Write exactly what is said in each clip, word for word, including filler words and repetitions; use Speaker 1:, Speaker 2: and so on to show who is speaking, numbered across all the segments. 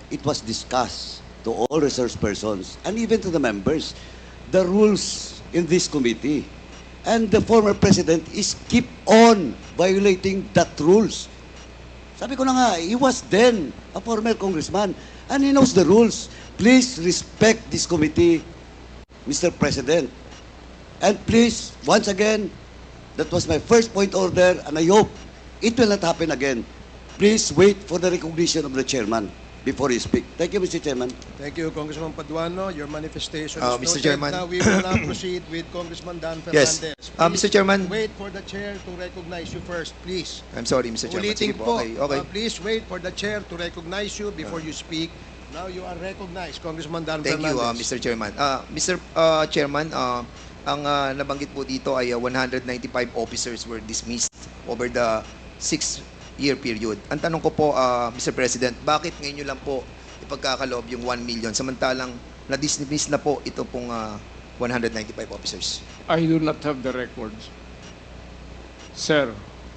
Speaker 1: it was discussed to all resource persons and even to the members, the rules in this committee. And the former president is keep on violating that rules. Sabi ko na nga, he was then a former congressman and he knows the rules. Please respect this committee, Mister President. And please, once again, that was my first point order and I hope it will not happen again. Please wait for the recognition of the chairman before you speak. Thank you, Mister Chairman.
Speaker 2: Thank you, Congressman Paduano. Your manifestation
Speaker 3: Uh,
Speaker 2: is
Speaker 3: Mister
Speaker 2: noted.
Speaker 3: Chairman.
Speaker 2: Now we will now proceed with Congressman Dan
Speaker 3: Yes.
Speaker 2: Fernandez.
Speaker 3: Uh,
Speaker 2: Please
Speaker 3: Mister Chairman.
Speaker 2: wait for the chair to recognize you first, please.
Speaker 3: I'm sorry, Mister Chairman.
Speaker 2: Ulitin
Speaker 3: Sige
Speaker 2: po,
Speaker 3: po. Okay, okay.
Speaker 2: uh, please wait for the chair to recognize you before you speak. Now you are recognized, Congressman Dan
Speaker 3: Thank you, uh,
Speaker 2: Fernandez.
Speaker 3: Mister Chairman. Uh, Mister Uh, Chairman, uh, ang uh, nabanggit po dito ay uh, one hundred ninety-five officers were dismissed over the six-year period. Ang tanong ko po, uh, Mister President, bakit ngayon nyo lang po ipagkakaloob yung one million samantalang na-dismiss na po ito pong uh, one hundred ninety-five officers?
Speaker 4: I do not have the records. Sir,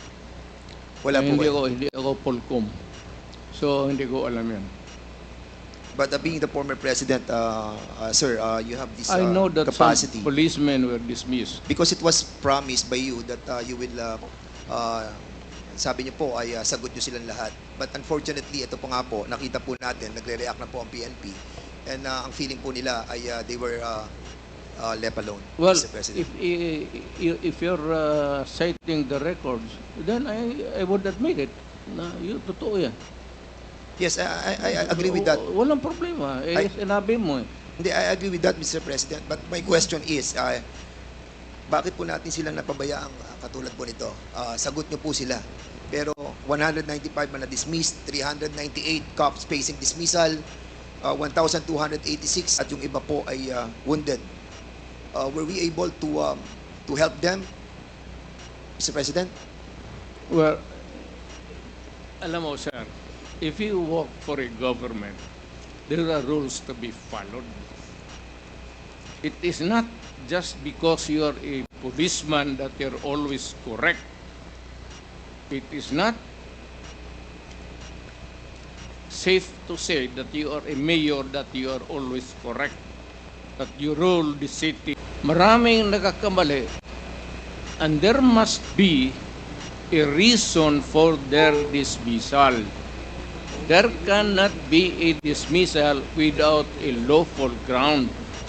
Speaker 3: Wala po
Speaker 4: hindi
Speaker 3: ba?
Speaker 4: ako, hindi ako Polcom. So, hindi ko alam yan.
Speaker 3: But uh, being the former president, uh, uh, sir, uh, you have this uh,
Speaker 4: I know that
Speaker 3: capacity.
Speaker 4: some policemen were dismissed.
Speaker 3: Because it was promised by you that uh, you will, uh, uh, sabi niyo po ay uh, sagot niyo silang lahat. But unfortunately, ito po nga po, nakita po natin, nagre-react na po ang P N P. And uh, ang feeling po nila ay uh, they were uh, uh, left alone,
Speaker 4: Well,
Speaker 3: Mister President.
Speaker 4: if i- i- if you're uh, citing the records, then I I would admit it. Na yun, totoo yan.
Speaker 3: Yes, I, I, I agree with that.
Speaker 4: W- Walang problema. Eh,
Speaker 3: I-
Speaker 4: sinabi mo eh.
Speaker 3: Hindi, I agree with that, Mister President. But my question is, uh, bakit po natin silang napabayaang uh, katulad po nito? Uh, sagot niyo po sila. Pero one hundred ninety-five man na dismissed, three hundred ninety-eight cops facing dismissal, uh, one thousand two hundred eighty-six at yung iba po ay uh, wounded. Uh, were we able to um, to help them, Mister President?
Speaker 4: Well, alam mo, sir, if you work for a government, there are rules to be followed. It is not just because you are a policeman that you're always correct. It is not safe to say that you are a mayor that you are always correct, that you rule the city. Maraming nagkakamali, and there must be a reason for their dismissal. There cannot be a dismissal without a lawful ground.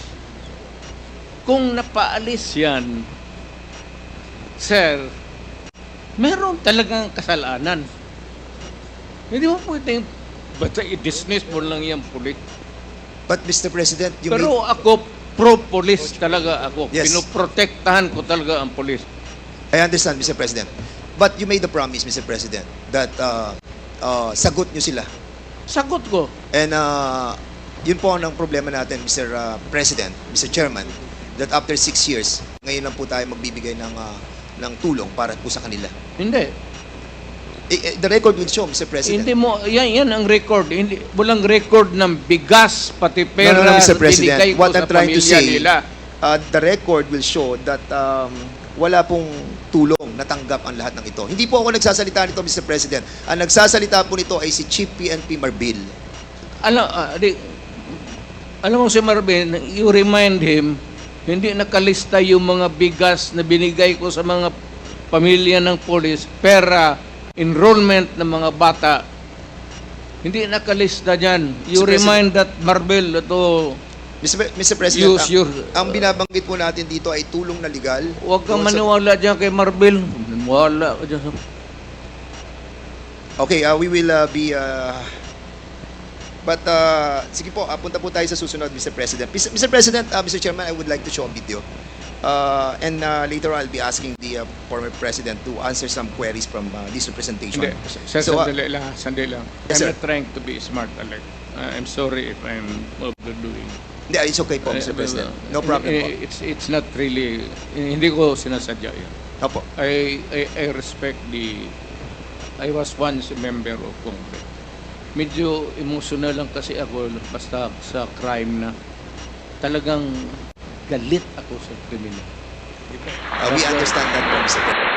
Speaker 4: Kung napaalis yan, sir, meron talagang kasalanan. Hindi mo pwedeng basta i-dismiss mo lang yung pulis.
Speaker 3: But Mister President, you
Speaker 4: Pero
Speaker 3: made,
Speaker 4: ako, pro-police talaga ako.
Speaker 3: Yes.
Speaker 4: Pinoprotektahan ko talaga ang pulis.
Speaker 3: I understand, Mister President. But you made the promise, Mister President, that uh, uh, sagot niyo sila.
Speaker 4: Sagot ko.
Speaker 3: And uh, yun po ang problema natin, Mister uh, President, Mister Chairman, that after six years, ngayon lang po tayo magbibigay ng, uh, ng tulong para po sa kanila.
Speaker 4: Hindi.
Speaker 3: Eh, eh, the record will show, Mister President.
Speaker 4: Hindi mo, yan, yan ang record. Hindi, walang record ng bigas, pati pera
Speaker 3: No, no, no, Mister
Speaker 4: na
Speaker 3: President.
Speaker 4: binigay ko
Speaker 3: What
Speaker 4: sa
Speaker 3: I'm trying to
Speaker 4: pamilya
Speaker 3: say,
Speaker 4: nila.
Speaker 3: uh, the record will show that um, wala pong tulong natanggap ang lahat ng ito. Hindi po ako nagsasalita nito, Mister President. Ang nagsasalita po nito ay si Chief P N P Marbil.
Speaker 4: Alam, ah, di, alam mo si Marvin, you remind him, hindi nakalista yung mga bigas na binigay ko sa mga pamilya ng polis, pera, enrollment ng mga bata. Hindi nakalista dyan. You
Speaker 3: Mister
Speaker 4: remind that Marbil to
Speaker 3: Mister Pre- Mister President,
Speaker 4: use
Speaker 3: ang,
Speaker 4: your...
Speaker 3: ang binabanggit po natin dito ay tulong na legal.
Speaker 4: Huwag kang
Speaker 3: Doon sa-
Speaker 4: maniwala dyan kay Marbil. Maniwala ka dyan sa...
Speaker 3: Okay, uh, we will uh, be... Uh, but, uh, sige po, uh, punta po tayo sa susunod, Mister President. Mister President, uh, Mister Chairman, I would like to show a video. Uh, and uh, later I'll be asking the uh, former President to answer some queries from uh, this representation.
Speaker 4: Hindi, sir,
Speaker 3: So, uh,
Speaker 4: sandali lang, sandali lang.
Speaker 3: Yes,
Speaker 4: I'm
Speaker 3: sir.
Speaker 4: not trying to be smart, Alec. Uh, I'm sorry if I'm overdoing.
Speaker 3: Hindi, it's okay po, Mister
Speaker 4: Eh,
Speaker 3: President.
Speaker 4: eh,
Speaker 3: No problem po.
Speaker 4: eh, It's it's not really, hindi ko sinasadya yun.
Speaker 3: Opo.
Speaker 4: I, I, I respect the, I was once a member of Congress. Medyo emotional lang kasi ako basta sa crime na talagang galit ako sa kriminal.
Speaker 3: Uh, we understand that po, Mister President.